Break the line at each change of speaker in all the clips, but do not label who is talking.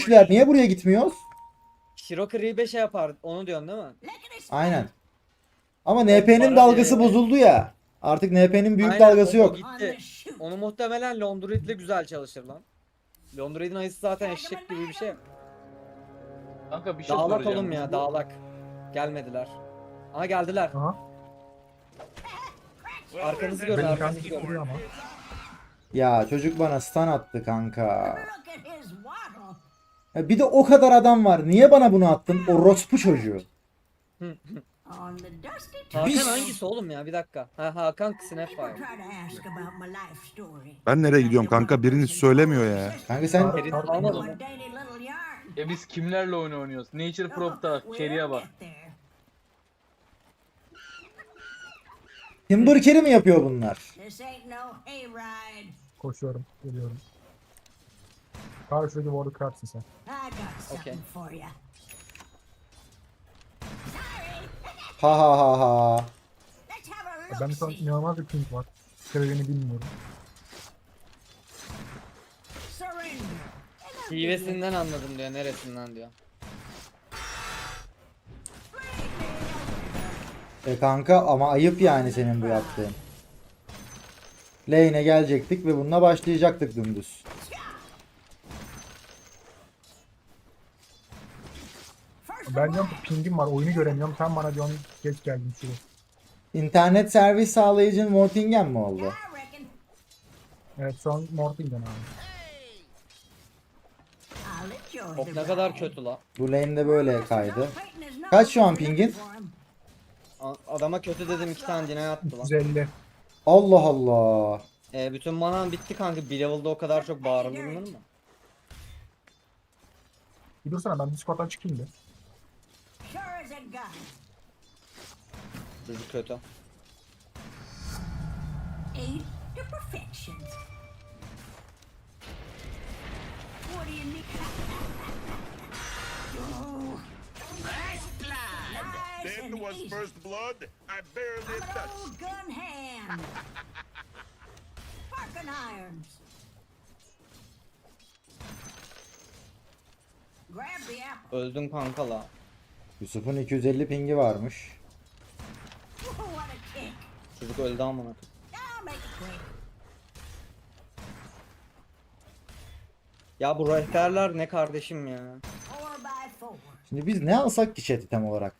Niye buraya gitmiyoruz?
Shirokiri'yi şey yapar. Onu diyorsun değil mi?
Aynen. Ama NP'nin dalgası bozuldu ya. Artık NP'nin büyük
Aynen,
dalgası
o
yok.
gitti. Onu muhtemelen Londroid'le güzel çalışır lan. Londroid'in ayısı zaten eşek gibi bir şey.
Kanka bir şey
Dağlak
soracağım.
oğlum
Biz
ya,
bu-
dağlak. Gelmediler. Aha geldiler.
Aha.
Arkanızı görün,
Ben
arkanızı
interneti
görün.
kuruyor ama.
Ya çocuk bana stun attı kanka. Ya bir de o kadar adam var. Niye bana bunu attın? O rospu çocuğu.
Hakan hangisi oğlum ya? Bir dakika. Ha, Hakan Snapfire.
Ben nereye gidiyorum kanka? Biriniz söylemiyor ya.
Kanka sen
Ferit almadı mı?
Ya biz kimlerle oyun oynuyoruz? Nature Prop'ta Cherry'e bak.
Timber Carry mi yapıyor bunlar?
Koşuyorum. Geliyorum. Karşıdaki ward'u kırarsın sen.
Okay.
Ha ha ha ha.
Ben şu an inanılmaz bir ping var. Sebebini bilmiyorum.
Hivesinden anladım diyor. Neresinden diyor.
Kanka ama ayıp yani senin bu yaptığın. Lane'e gelecektik ve bununla başlayacaktık dümdüz.
Ben diyorum ki pingim var, oyunu göremiyorum. Sen bana diyorsun geç geldin şuraya.
İnternet servis sağlayıcın Mortingen mi oldu?
Evet şu an Mortingen abi.
Hop ne kadar kötü la.
Bu lane'de böyle kaydı. Kaç şu an pingin?
Adama kötü dedim, 2 tane deny attı lan.
150.
Oh.
Allah Allah.
Bütün manam bitti kanka. Bir level'da o kadar çok bağırılır mı?
Bir dursana ben Discord'dan çıkayım da.
Çocuk kötü.
Then was first blood. I barely touched.
Gun hand. Sparking irons. Grab the apple.
Öldün kanka la.
Yusuf'un 250 pingi varmış.
What a kick.
Çocuk öldü amına.
I'll make it quick.
Ya bu rehberler ne kardeşim ya.
4x4.
Şimdi biz ne alsak ki chat item olarak?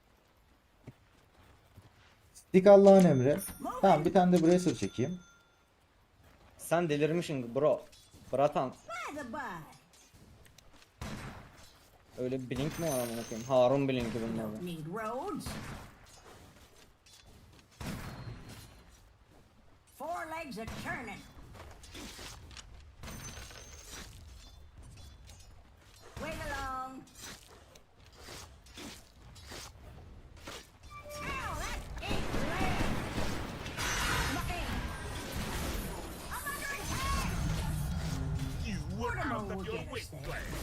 Stick Allah'ın emri. Tamam bir tane de Bracer çekeyim.
Sen delirmişsin bro. Bratan.
By the by.
Öyle bir blink mi var amına koyayım? Harun blinki bunlar.
Don't need roads. Four legs a churning. Wait along. Ow, that ain't land. My aim. I'm under attack.
You were
Mortimer
out of
will
your
get us
wit
there.
class.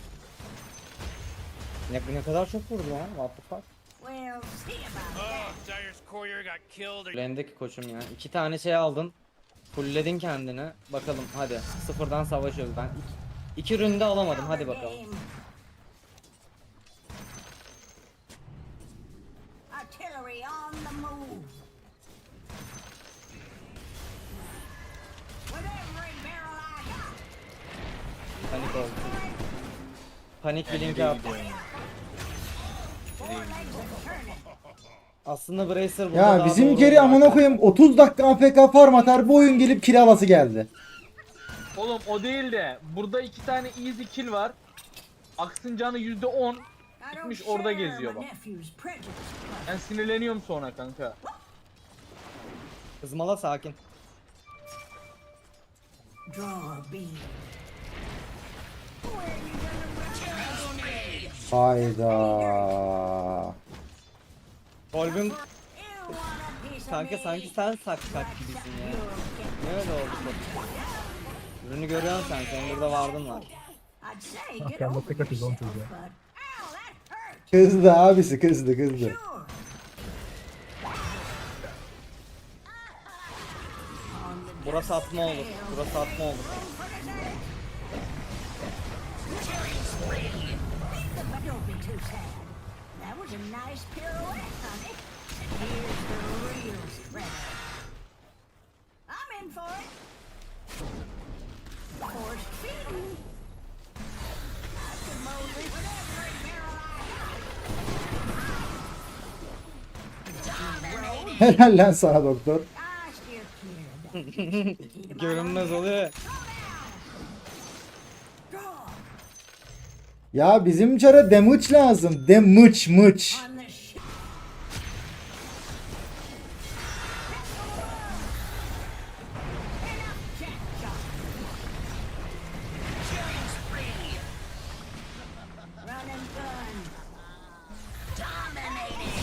Ne kadar çok vurdu lan? What the fuck?
We'll see about that.
Cyrus Courier got killed.
Lendeki koçum ya. 2 tane şey aldın. Fullledin kendini. Bakalım hadi. Sıfırdan savaşıyoruz. Ben iki ründe alamadım. Hadi bakalım.
Artillery on the move. With every barrel I got.
Panik oldu. Panik blinki attı.
Four legs a churning.
Aslında Bracer burada
Ya
daha
bizim
doğru
geri
oldu
amına
ya.
koyayım 30 dakika AFK farm atar bu oyun gelip kilavası geldi.
Oğlum o değil de burada 2 tane easy kill var. Aksın canı %10.
I don't
Gitmiş orada
share
geziyor
my
bak.
nephew's prejudice.
Ben sinirleniyorum sonra kanka.
Kızmala sakin.
Draw a bead. Where you gonna run?
Hayda.
Kolbim
You want a piece of
kanka
me?
sanki sen sak gibisin ya. Ne öyle oldu bu? Ürünü görüyorsun sen. Senin burada vardın var.
I'd say
Ah,
get
ben de
over
tek atıyoruz oğlum
yourself,
çocuğa.
but ow, that hurt.
Kızdı abisi kızdı.
Sure.
Burası atma olur. Burası atma olur.
For the day. too sad. That was a nice pirouette, honey. Here's the real spread. I'm in for it. Forced feeding. I could mow this with every barrel I have.
Helal lan sana doktor.
I still cleared.
Görünmez oluyor.
Draw
Ya bizim çara damage lazım. Damage mıç.
on the ship. Run and gun. Dominating.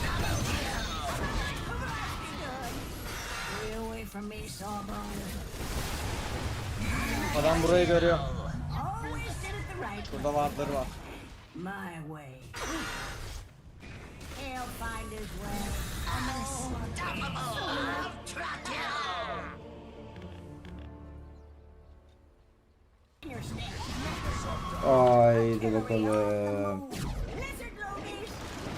Stay away from me, Sawbones.
Adam burayı görüyor.
Always did it the right way.
Burada wardları var.
My way. He'll find his way. Unstoppable. Your snake.
Haydi bakalım.
Lizard lobies.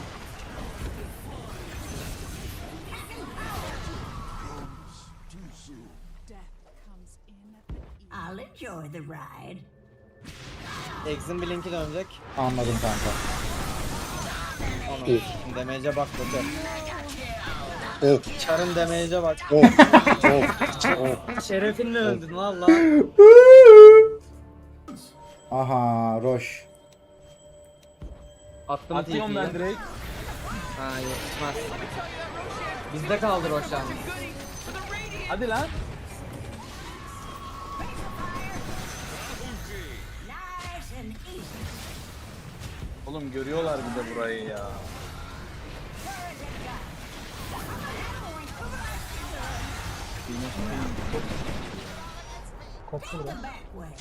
I'll enjoy the ride.
Ex'in bir linki dönecek.
Anladım kanka.
Onu. Damage'e bak Doktor.
Of.
Çarın damage'e bak.
Of. Of.
Şerefinle öldün valla.
Aha Roş.
Attım
Atıyorum ben
TP'yi.
direkt.
Ha yetişmez. Bizde kaldı Roşan.
Hadi lan.
Nice and easy.
Oğlum görüyorlar bir de burayı ya.
Koptu
The
bura.
back way.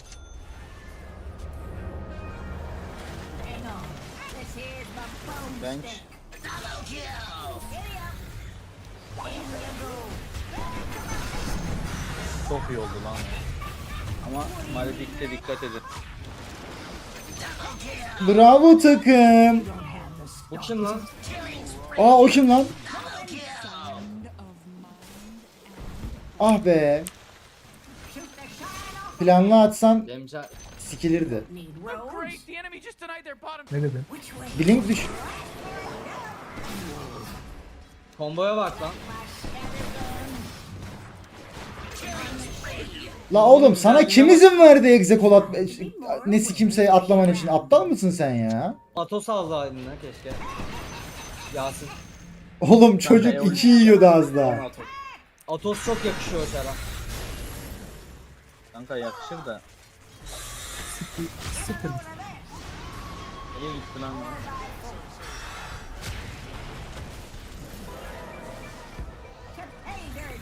Hang on. This here's my bone
Bench.
stick. Giddy up. In you go.
Çok iyi oldu lan. Ama Maledict'e dikkat edin.
Bravo takım.
Bu kim lan?
Aa o kim lan? Ah be.
Shoot the shine off.
Planlı atsan
Demca
sikilirdi.
Need roads.
Ne dedin?
Which way?
Blink düş.
komboya bak lan.
La oğlum sana kim izin verdi egzekol at ne kimseye atlaman için? Aptal mısın sen ya?
Atos aldı eline keşke. Yasin.
Oğlum çocuk 2 yiyordu az daha.
Atos. Atos çok yakışıyor Çar'a.
Kanka yakışır da.
Siktir.
Nereye gitti lan?
Hey, there.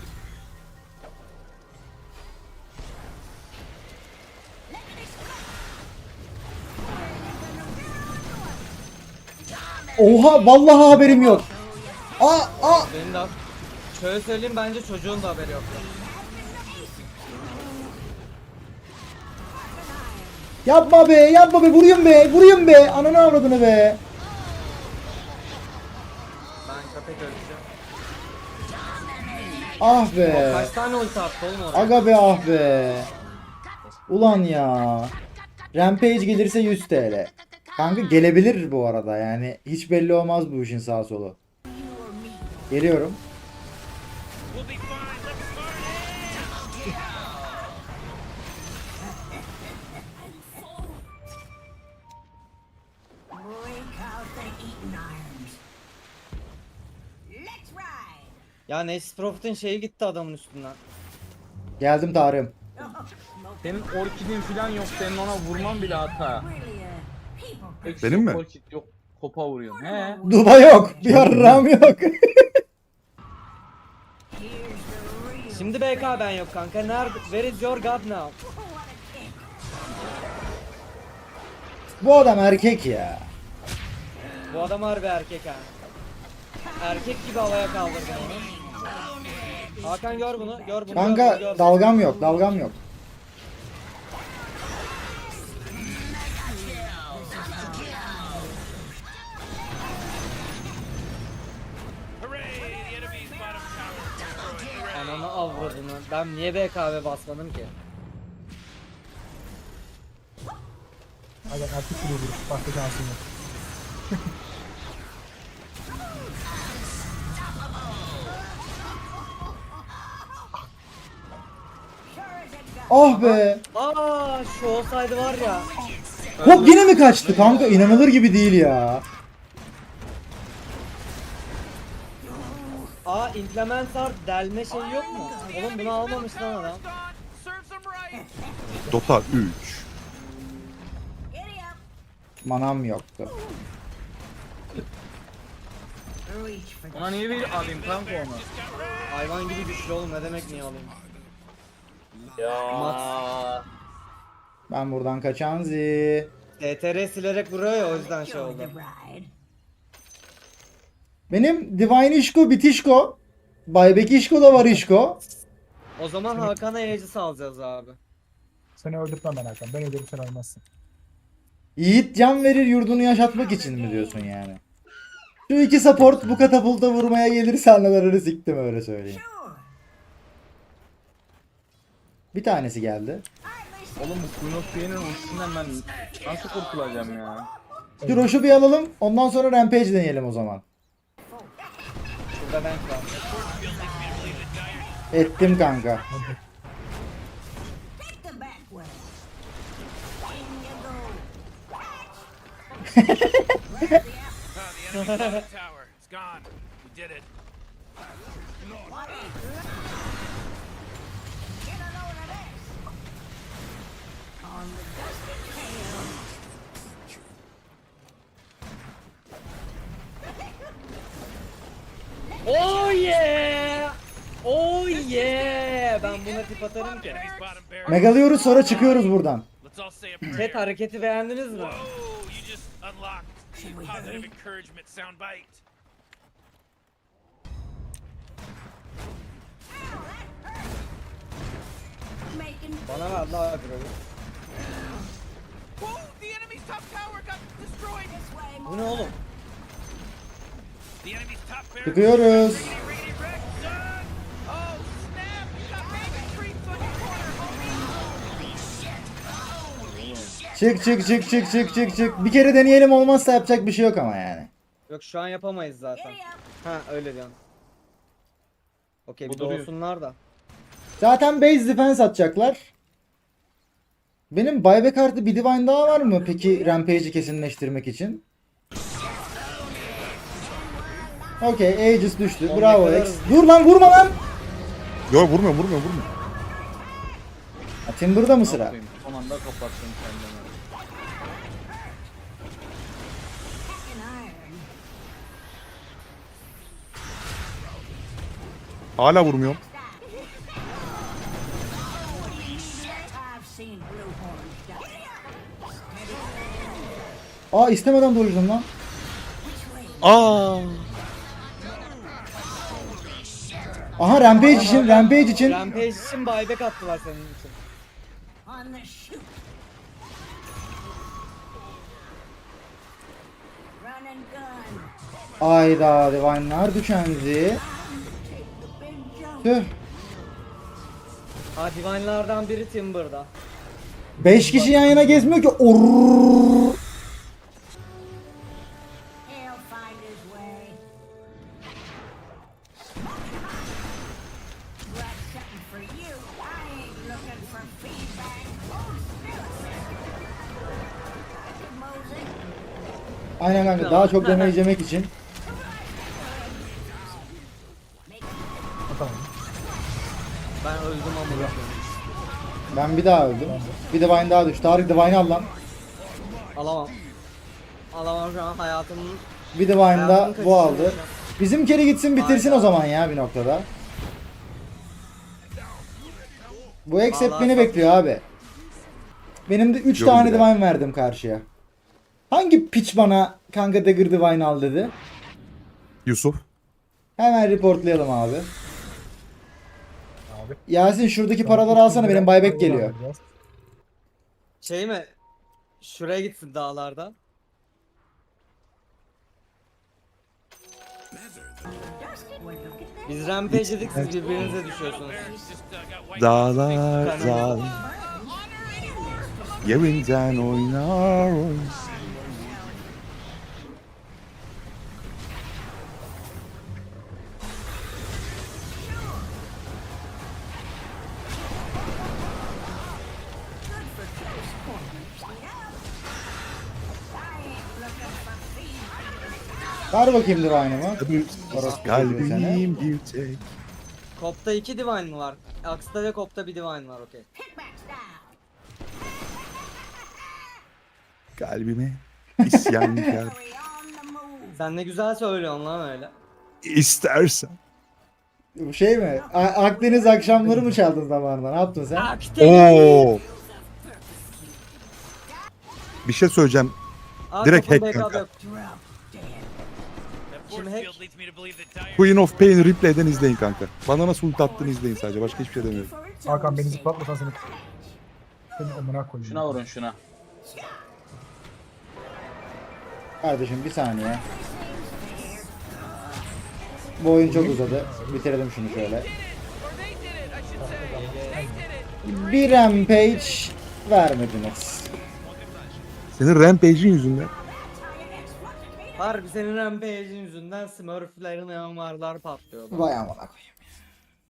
Oha vallahi haberim yok. Aa.
Benim de şöyle söyleyeyim bence çocuğun da haberi yok.
Yapma be vuruyorum be ananı avradını be.
Ben köpek öleceğim.
Ah be.
Kaç tane ulti attı oğlum oraya?
Aga be ah be. Ulan ya. Rampage gelirse 100 TL. Kanka gelebilir bu arada yani hiç belli olmaz bu işin sağ solu. Geliyorum.
Break out the eating irons. Let's ride.
Ya Nessus Profit'in şeyi gitti adamın üstünden.
Geldim Tarım.
Senin orkidin falan yok. Senin ona vurman bile hata.
Really people.
Eksi
Benim
yok,
mi?
Orkid yok. Kopa vuruyorsun. He.
Duba yok. Bir yarram yok.
Here's the real.
Şimdi BK ben yok kanka. Nerede? Where is your god now?
What a kick.
Bu adam erkek ya.
Bu adam harbi erkek ha. Erkek gibi havaya kaldırdı onu. Hakan gör bunu. Gör bunu.
Kanka
gör bunu.
dalgam yok.
avradını. Ben niye BKB basmadım ki?
Hadi artık kilo vuruş. Başka şansın yok.
Ah be.
Aa şu olsaydı var ya.
Hop yine mi kaçtı kanka? İnanılır gibi değil ya.
Aa implementar delme şeyi yok mu? Oğlum bunu almamış lan adam.
Dota 3.
Giddy up.
Manam yoktu.
Reach for the
Ona niye bir alayım kanka onu?
Hayvan gibi güçlü oğlum ne demek niye alayım?
Ya.
Ben buradan kaçan zi.
TTR silerek vuruyor ya o yüzden şey
enjoy
oldu.
the ride.
Benim Divine Işko bitişko. Baybek İşko da var İşko.
O zaman Hakan'a Aegis alacağız abi.
Seni öldürtmem ben Hakan. Ben öldürürüm sen ölmezsin.
Yiğit can verir yurdunu yaşatmak için mi diyorsun yani? Şu iki support bu katapulta vurmaya gelirse anılarını siktim öyle söyleyeyim.
Sure.
Bir tanesi geldi.
Oğlum bu Queen of Pain'in ultisinden ben nasıl kurtulacağım ya?
Şu Roş'u bir alalım. Ondan sonra Rampage deneyelim o zaman.
Şurada ben var.
Ettim kanka.
Take the back way. In you go.
Tower. It's gone. We did it.
What is that? Get a load of this. On the dusty tail.
Oh yeah! Oh yeah! Ben buna tip atarım ki.
Enemy's bottom barrel.
Megalıyoruz sonra çıkıyoruz buradan.
Let's all say a prayer.
Chat hareketi beğendiniz mi?
Whoa, you just unlocked a positive encouragement soundbite.
Making
Bana ver la agroyu.
Whoa, the enemy's top tower got destroyed.
this way.
Bu ne oğlum?
The enemy's top barrel.
Çıkıyoruz.
Riggedy, riggedy, wreck, son. Oh, snap. You got Raven creeps on your corner.
Çık. Bir kere deneyelim olmazsa yapacak bir şey yok ama yani.
Yok şu an yapamayız zaten.
Giddy up.
Ha öyle diyorsun. Okey bir
Bu duruyor.
doğsunlar da.
Zaten base defense atacaklar. Benim buyback artı bir divine daha var mı peki Rampage'i kesinleştirmek için? Okey Aegis düştü.
Onu
Bravo
yakalarız.
X. Dur lan vurma lan.
Yok vurmuyor.
Ha, Timber'da mı sıra?
Yapayım, son anda kapattım kendimi.
In iron.
Hala vurmuyorum.
I've seen blue horns die.
Aa istemeden dojladım lan.
Aa.
Aha Rampage için.
Rampage için buyback attılar senin için.
On the shoot. Run and gun.
Ayda divine'lar düşenzi.
Take the big jump.
Tüh.
Ha divine'lardan biri Timber'da.
5 kişi yan yana gezmiyor ki. Orrrr.
He'll find his way. Got something for you. I ain't looking for feedback. Hold still. Mosey.
Aynen kanka daha çok damage yemek için.
Atamam.
Ben öldüm ama.
Ben bir daha öldüm. Bir divine daha düştü. Tarık divine'ı al lan.
Alamam. Alamam şu an hayatımın.
Bir divine da
hayatımın
bu aldı.
kaçışını
Bizim kere gitsin bitirsin
Aynen.
o zaman ya bir noktada. Bu X hep
Vallahi
beni
çok-
bekliyor abi. Benim de 3
Yorum
tane
bile.
divine verdim karşıya. Hangi piç bana kanka dagger divine al dedi?
Yusuf.
Hemen reportlayalım abi.
Abi.
Yasin şuradaki paraları alsana benim buyback geliyor.
Şey mi? Şuraya gitsin dağlarda. Biz rampage dedik, siz birbirinize düşüyorsunuz.
Dağlar dağlar. Yerinden oynar oynar.
Ver bakayım Divine'ımı.
Kalbim bir tek.
Kopta 2 divine mı var? Axe'da ve Kopta bir divine var, okey.
Kickback style.
Kalbime isyankar.
Carry on the move.
Sen ne güzel söylüyorsun lan öyle.
İstersen.
Bu şey mi? Akdeniz akşamları mı çaldın zamanında? Ne yaptın sen?
Oo. Bir şey söyleyeceğim. Direkt hack kanka.
That
Şimdi
force
hack.
field leads me to believe that Dire
Queen of Pain replay'den izleyin kanka. Bana nasıl ult attığını izleyin sadece. Başka hiçbir şey demiyorum.
For its
Hakan
own
beni
sake.
zıplatmasan seni. Seni amına koyayım.
Şuna vurun şuna.
Kardeşim bir saniye. Bu oyun çok uzadı. Bitirelim şunu şöyle.
or they did it, I should say. They did it.
Bir rampage vermediniz.
Senin Rampage'in yüzünden.
Harbi senin rampage'in yüzünden Smurf'lerin yanvarlar patlıyor.
Vay amına koyayım.